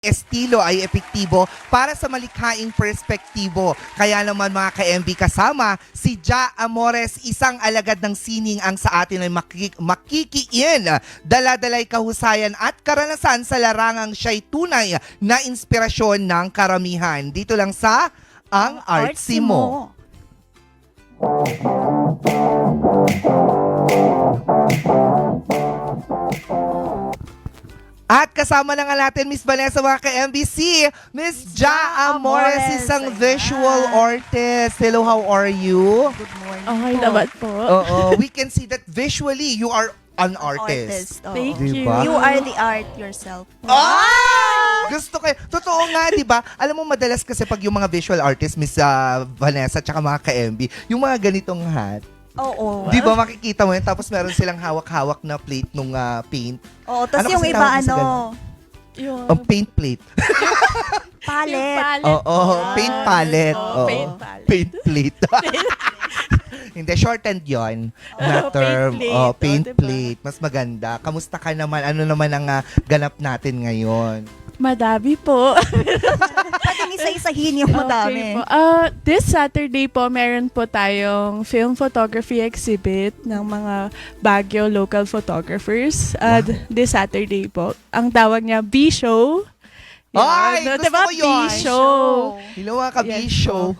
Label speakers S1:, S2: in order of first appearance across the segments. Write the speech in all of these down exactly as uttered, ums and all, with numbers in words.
S1: estilo ay epektibo para sa malikhaing perspektibo. Kaya naman mga ka-M B kasama, si Ja Amores, isang alagad ng sining ang sa atin ay makik- makikiin. Daladalay kahusayan at karanasan sa larangang siya'y tunay na inspirasyon ng karamihan. Dito lang sa Ang Artsy Mo. At kasama na nga natin, Miss Vanessa, mga ka-M B C, Miss Ja Amores,
S2: Amores.
S1: isang
S2: Ayan.
S1: visual artist. Hello, how are you?
S2: Good morning
S3: Okay
S2: po.
S3: naman po.
S1: Oo, we can see that visually you are an artist.
S2: oo.
S3: Thank
S1: Diba?
S3: you.
S2: You are the art yourself.
S1: Ah! Gusto ko. Totoo nga, di ba? Alam mo, madalas kasi pag yung mga visual artist, Miss ah, Vanessa, tsaka mga ka-M B, yung mga ganitong hat,
S2: Oo.
S1: di ba makikita mo yun? Tapos meron silang hawak-hawak na plate nung ah, paint.
S2: Oo, tapos
S1: Ano
S2: yung
S1: kasi
S2: iba
S1: tawag mo sa
S2: ano,
S3: Yung,
S1: Ang paint plate.
S2: palette.
S3: palette.
S1: Oo, oh,
S3: Ah,
S1: paint palette.
S3: oo,
S1: Oo.
S3: paint palette.
S1: Paint plate. Hindi, shortened yon na
S3: Oh,
S1: term.
S3: paint plate.
S1: Oh,
S3: Oh,
S1: paint
S3: diba?
S1: plate. Mas maganda. Kamusta ka naman? Ano naman ang ah, ganap natin ngayon?
S3: Madami po.
S2: Pwede isa-isahin yung madami.
S3: Okay po. Ah, this Saturday po, meron po tayong film photography exhibit ng mga Baguio local photographers. Uh,
S1: Wow.
S3: This Saturday po. Ang tawag niya B-Show.
S1: Ay,
S3: no,
S1: gusto
S3: diba?
S1: ko yun.
S3: B-Show.
S1: Hello mga ka-bisyo.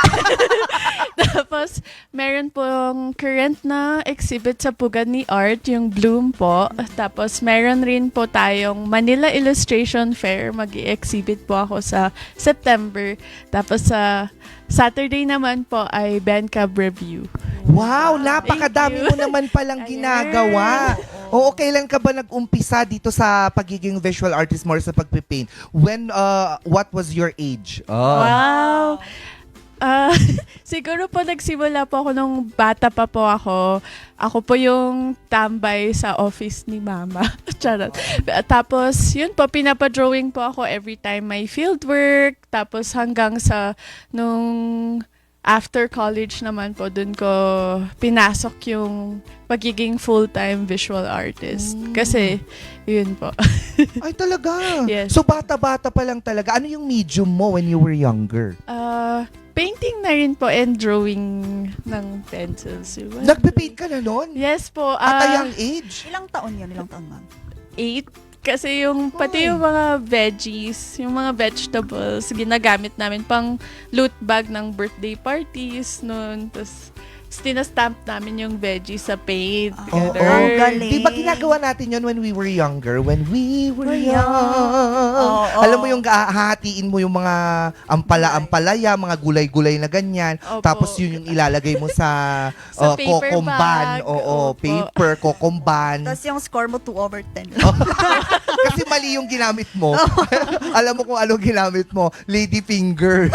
S3: Tapos, meron pong current na exhibit sa Pugad ni Art, yung Bloom po. Tapos, meron rin po tayong Manila Illustration Fair. Mag-i-exhibit po ako sa September. Tapos, sa Saturday naman po ay Bencab Review.
S1: Wow, napakadami
S3: Thank
S1: mo
S3: you.
S1: naman palang
S3: Ayan.
S1: ginagawa. Oo, kailan ka ba nag-umpisa dito sa pagiging visual artist mo or sa pagpipaint? When, uh, what was your age? Oh.
S3: Wow! Ah, siguro po nagsimula po ako nung bata pa po ako. Ako po yung tambay sa office ni mama. Charot. Tapos, yun po, pinapa-drawing po ako every time may field work. Tapos hanggang sa nung after college naman po, dun ko pinasok yung pagiging full-time visual artist.
S1: Mm.
S3: Kasi, yun po.
S1: Ay, talaga?
S3: Yes.
S1: So, bata-bata pa lang talaga. Ano yung medium mo when you were younger?
S3: Ah, painting na rin po and drawing ng pencils.
S1: Nagpipaint ka na noon?
S3: Yes po.
S1: At a
S3: ah,
S1: young age?
S2: Ilang taon yun? Ilang taon, ma'am?
S3: eight. Kasi yung, pati yung mga veggies, yung mga vegetables, ginagamit namin pang loot bag ng birthday parties noon. Tapos, tinastamp namin yung veggies sa paint.
S2: Ah,
S1: Oo,
S3: together.
S2: galing.
S1: Di ba ginagawa natin yon when we were younger? When we were
S2: We're
S1: young.
S2: young. Oo.
S1: Alam mo yung hahatiin mo yung mga ampala-ampalaya, mga gulay-gulay na ganyan.
S3: Opo.
S1: Tapos yun yung ilalagay mo sa, uh,
S3: Sa paper
S1: kokomban.
S3: bag.
S1: Oo,
S3: Opo.
S1: paper, kokomban.
S2: Tapos yung score mo two over ten.
S1: Kasi mali yung ginamit mo. Alam mo kung ano ginamit mo? Lady fingers.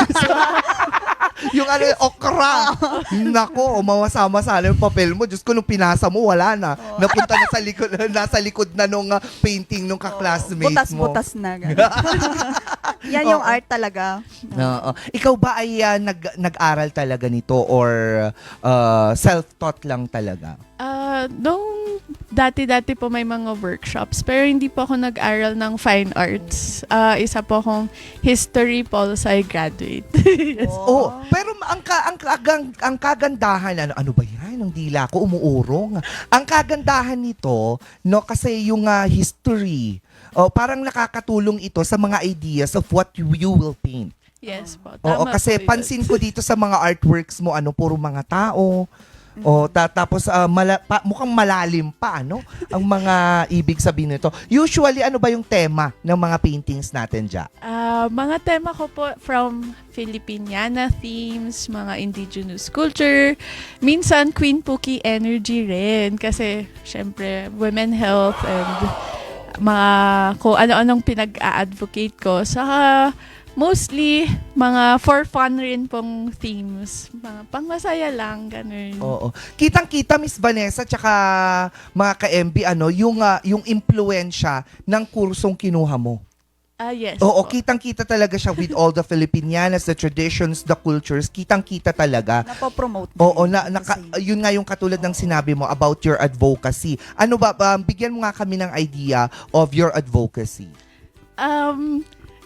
S1: Yung ano, okra. Nako, mawasama-sama yung papel mo. Diyos ko, nung pinasa mo, wala na. Napunta na sa likod, nasa likod na nung uh, painting nung ka-classmate mo.
S2: Butas-butas na. ganun. Yan yung
S1: Oo.
S2: art talaga.
S1: Oo. Ikaw ba ay uh, nag, nag-aral talaga nito or uh, self-taught lang talaga?
S3: Ah, nung dati-dati po may mga workshops, pero hindi po ako nag-aral ng fine arts. Ah, isa po akong history pol sci graduate. Yes.
S1: Oh, pero ang ka, ang, kagang, ang kagandahan ano ano ba 'yan? Ang dila ko umuurong. Ang kagandahan nito, no, kasi yung ah, history, oh, parang nakakatulong ito sa mga ideas of what you, you will paint.
S3: Yes po.
S1: Oo,
S3: Tama
S1: kasi
S3: po yun.
S1: pansin ko dito sa mga artworks mo, ano, puro mga tao. O ta- tapos ah, mala- pa- mukhang malalim pa, ano? Ang mga ibig sabihin nito. Usually, ano ba yung tema ng mga paintings natin dyan?
S3: Ah, mga tema ko po from Filipiniana themes, mga indigenous culture, minsan Queen Puki energy rin kasi syempre women health and mga kung ano-anong pinag-a-advocate ko. Saka mostly mga for fun rin pong themes, mga pangmasaya lang, ganun.
S1: Oo. Kitang-kita, Miss Vanessa, tsaka mga ka-M B, ano, yung, ah, yung impluensya ng kursong kinuha mo.
S3: Ah, yes
S1: Oo,
S3: po.
S1: kitang-kita talaga siya with all the Filipinianas, the traditions, the cultures. Kitang-kita talaga.
S2: Napopromote.
S1: Oo,
S2: din
S1: na, naka,
S2: kasi.
S1: yun nga yung katulad ng sinabi mo about your advocacy. Ano ba, um, bigyan mo nga kami ng idea of your advocacy.
S3: Um,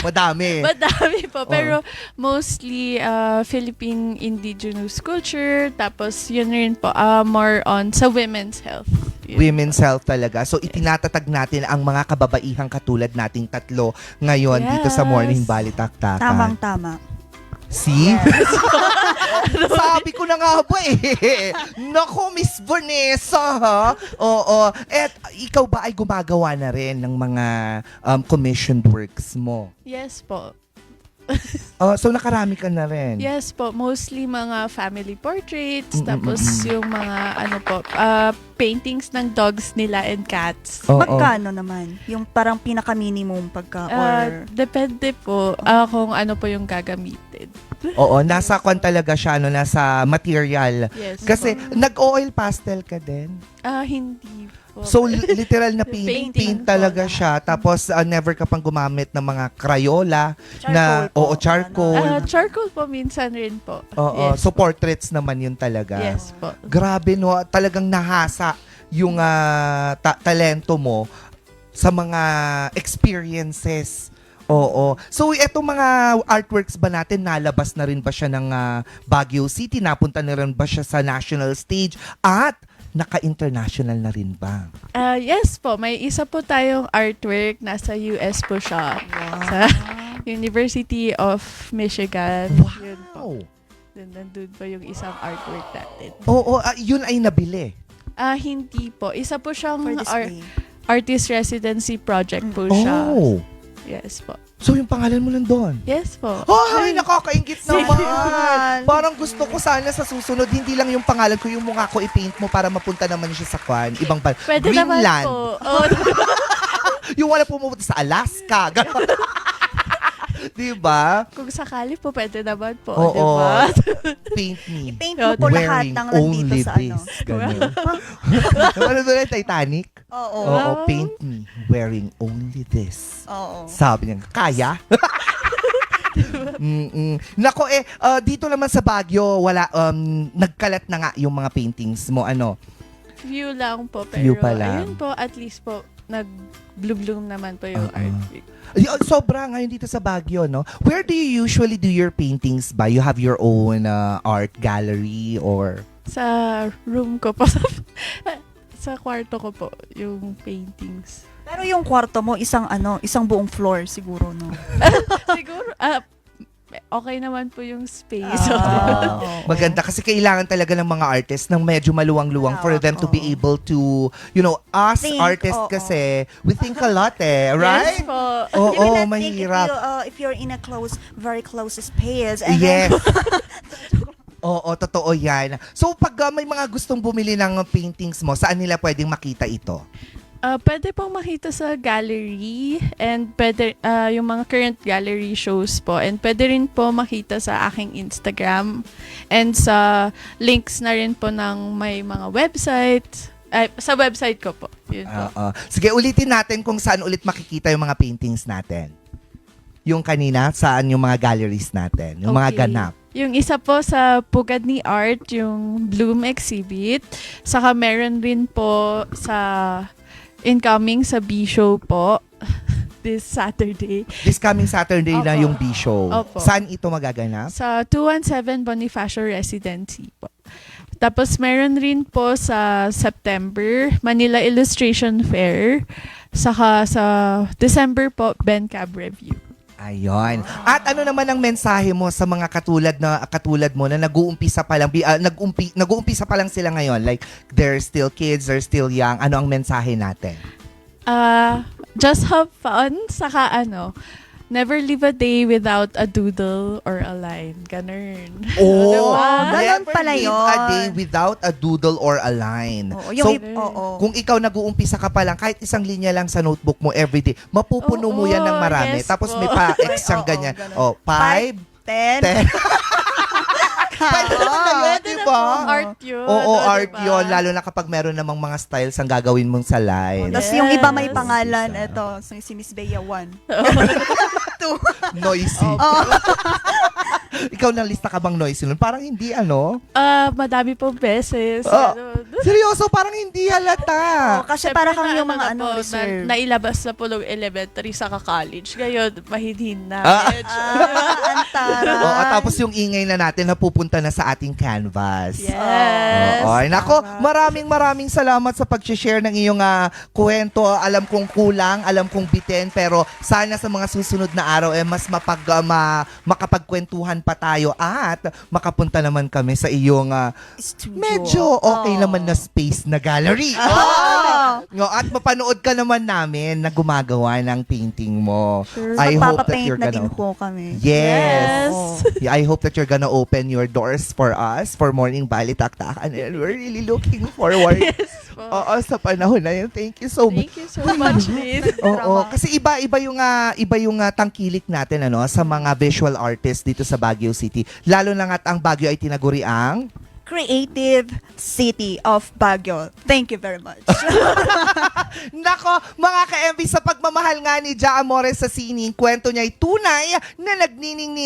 S1: Madami.
S3: Madami po. Pero mostly uh, Philippine indigenous culture. Tapos yun rin po, uh, more on sa women's health. Yun
S1: Women's health talaga. So, itinatatag natin ang mga kababaihang katulad nating tatlo ngayon dito sa
S3: Yes.
S1: Morning Balitaktakan.
S2: Tamang-tama.
S1: See? Sabi ko na nga ba eh. Naku, Miss Vanessa, ha? Oo. At ikaw ba ay gumagawa na rin ng mga um, commissioned works mo?
S3: Yes po.
S1: Uh, so, nakarami ka na rin?
S3: Yes po. Mostly mga family portraits.
S1: Mm, mm,
S3: Tapos
S1: mm, mm.
S3: yung mga ano po, uh, paintings ng dogs nila and cats.
S1: Oo.
S2: Magkano naman? Yung parang pinaka-minimum pagka or...
S3: Uh, depende po uh, kung ano po yung gagamitin.
S1: Oo, nasa kwan talaga siya, no, nasa material.
S3: Yes
S1: Kasi,
S3: po.
S1: nag-oil pastel ka din?
S3: Ah, hindi po.
S1: So, li- literal na paint,
S3: Painting
S1: paint
S3: po
S1: talaga
S3: lahat.
S1: siya. Tapos, uh, never ka pang gumamit ng mga Crayola na,
S2: po.
S1: oo, charcoal.
S3: Ah, charcoal po minsan rin po.
S1: Oo,
S3: Yes
S1: so
S3: po.
S1: portraits naman yun talaga.
S3: Yes po.
S1: Grabe, no? Talagang nahasa yung ah, ta- talento mo sa mga experiences. Oo. So, etong mga artworks ba natin, nalabas na rin ba siya ng ah, Baguio City? Napunta na rin ba siya sa national stage? At naka-international na rin ba?
S3: Ah, yes po, may isa po tayong artwork. Nasa U S po siya. Sa University of Michigan. Yun po.
S1: Wow!
S3: Dun- Nandun po yung isang artwork natin.
S1: Oo, ah, yun ay nabili.
S3: Ah, hindi po. Isa po siyang
S2: For
S3: ar-
S2: display.
S3: artist residency project po siya.
S1: Oh!
S3: Yes po.
S1: So, yung pangalan mo lang doon?
S3: Yes po.
S1: Ay, nakakaingit naman.
S2: naman.
S1: Parang gusto ko sana sa susunod, hindi lang yung pangalan ko, yung mukha ko i-paint mo para mapunta naman siya sa kwan. Ibang ban.
S3: Pwede naman
S1: Greenland.
S3: po. Oh,
S1: Yung wala pumunta sa Alaska. Ganon. Diba?
S3: kung sakali po, pwede naman po.
S1: Oo.
S3: Diba?
S1: Paint me.
S2: Paint mo po lahat
S1: Wearing
S2: ng nandito
S1: only
S2: sa ano.
S1: this. Ganon. Ano doon yung Titanic?
S2: Oo.
S1: Oo, paint me. Wearing only this.
S2: Oo.
S1: Sabi niya, kaya? Mm-mm. Nako eh, uh, dito naman sa Baguio, wala, um, nagkalat na nga yung mga paintings mo, ano?
S3: Few lang po. Pero
S1: Few pa lang.
S3: ayun po, at least po, nag-bloom naman po yung
S1: Oo.
S3: artwork.
S1: Ay, oh, sobra ngayon dito sa Baguio, no? Where do you usually do your paintings ba? You have your own uh, art gallery or...
S3: Sa room ko po. Sa kwarto ko po, yung paintings.
S2: Pero yung kwarto mo, isang ano, isang buong floor siguro, no?
S3: Siguro, ah, okay naman po yung space.
S2: Ah, oo.
S1: Maganda kasi kailangan talaga ng mga artists ng medyo maluwang-luwang for them to be
S2: Oo.
S1: able to, you know, us
S2: Think,
S1: artists
S2: oo.
S1: kasi, we think a lot eh,
S3: Yes
S1: right?
S3: po.
S1: Oo,
S2: You will not think
S1: mahirap.
S2: If, you, uh, if you're in a close, very close space. And
S1: Yes.
S2: then,
S1: Oo, totoo yan. So, pag uh, may mga gustong bumili ng paintings mo, saan nila pwedeng makita ito?
S3: Ah, pwede pong makita sa gallery and pwede ah, yung mga current gallery shows po, and pwede rin po makita sa aking Instagram and sa links na rin po ng may mga website, ay, sa website ko po. Yun po.
S1: Oo. Sige, ulitin natin kung saan ulit makikita yung mga paintings natin. Yung kanina, saan yung mga galleries natin, yung mga
S3: Okay.
S1: ganap.
S3: Yung isa po sa Pugad ni Art, yung Bloom Exhibit. Saka meron rin po sa incoming sa B-Show po this Saturday.
S1: This coming Saturday na
S3: Opo.
S1: yung B-Show.
S3: Opo.
S1: Saan ito magaganap?
S3: Sa two one seven Bonifacio Residency po. Tapos meron rin po sa September, Manila Illustration Fair. Saka sa December po, Ben Cab Review.
S1: Ayon. At ano naman ang mensahe mo sa mga katulad na katulad mo na nag-uumpisa pa lang bi- ah, nag-umpi, nag-uumpisa pa lang sila ngayon, like they're still kids, they're still young. Ano ang mensahe natin?
S3: Uh, just have fun. Saka ano, never live a day without a doodle or a line. Ganun.
S1: Oh,
S3: Diba?
S2: Ganun
S1: never
S2: pala
S1: live
S2: yun.
S1: a day without a doodle or a line.
S2: Oo, yung
S1: So,
S2: ip- oo.
S1: kung ikaw nag-uumpisa ka pa lang, kahit isang linya lang sa notebook mo everyday, mapupuno mo
S3: Oo,
S1: yan ng marami.
S3: yes
S1: Tapos
S3: po.
S1: may pa-ex
S2: Ay,
S1: siyang
S2: oo,
S1: ganyan.
S2: ganun.
S1: Oh, five,
S2: Ten.
S1: ten. Pwede naman na yun,
S3: Pwede
S1: di
S3: na
S1: ba?
S3: po, art yun.
S1: Oo,
S3: ano,
S1: art
S3: diba?
S1: yun. Lalo na kapag meron namang mga styles ang gagawin mong sa line.
S2: Tapos yung iba may
S3: Yes.
S2: pangalan, eto, si si Miss Bea one. Two.
S1: Noisy.
S2: Oo.
S1: Ikaw na lista ka bang noisy nun? Parang hindi, ano?
S3: Ah, madami pong beses.
S1: Oh.
S3: Ano.
S1: Seryoso, parang hindi halata.
S2: Oh, kasi
S3: Siyempre,
S2: para kang
S3: na-
S2: yung mga
S3: na
S2: ano,
S3: po,
S2: reserve.
S3: Na, nailabas na po ng elementary sa college. Ngayon, mahinhin na.
S1: Ah.
S3: Medyo.
S2: Ah, antaray.
S1: Oo, at tapos yung ingay na natin napupunta na sa ating canvas.
S3: Yes.
S1: Oo, ay, nako,
S2: Tama.
S1: maraming maraming salamat sa pag-share ng iyong ah, kwento. Alam kong kulang, alam kong bitin, pero sana sa mga susunod na araw eh mas mapag ah, ma- makapagkwentuhan pa tayo at makapunta naman kami sa iyong ah,
S2: Studio.
S1: medyo okay
S2: Oh.
S1: naman na space na gallery.
S2: Oh.
S1: No, at mapanood ka naman namin na gumagawa ng painting mo.
S2: Sure.
S1: I hope that
S2: Magpapapaint
S1: you're
S2: na
S1: gonna
S2: din po kami.
S1: Yes.
S2: Oh.
S1: Yeah, I hope that you're gonna open your doors for us for Morning Balitaktakan and we're really looking forward. Oo, sa panahon na yun. Thank you so much.
S3: Thank you so much, Liz.
S1: Oo, kasi iba-iba yung ah, iba yung ah, tangkilik natin ano sa mga visual artists dito sa Baguio City. Lalo na nga't ang Baguio ay tinaguri ang
S2: Creative City of Baguio. Thank you very much.
S1: Nako, mga ka-M V, sa pagmamahal nga ni Ja Amores sa sining, kwento niya ay tunay na nagniningning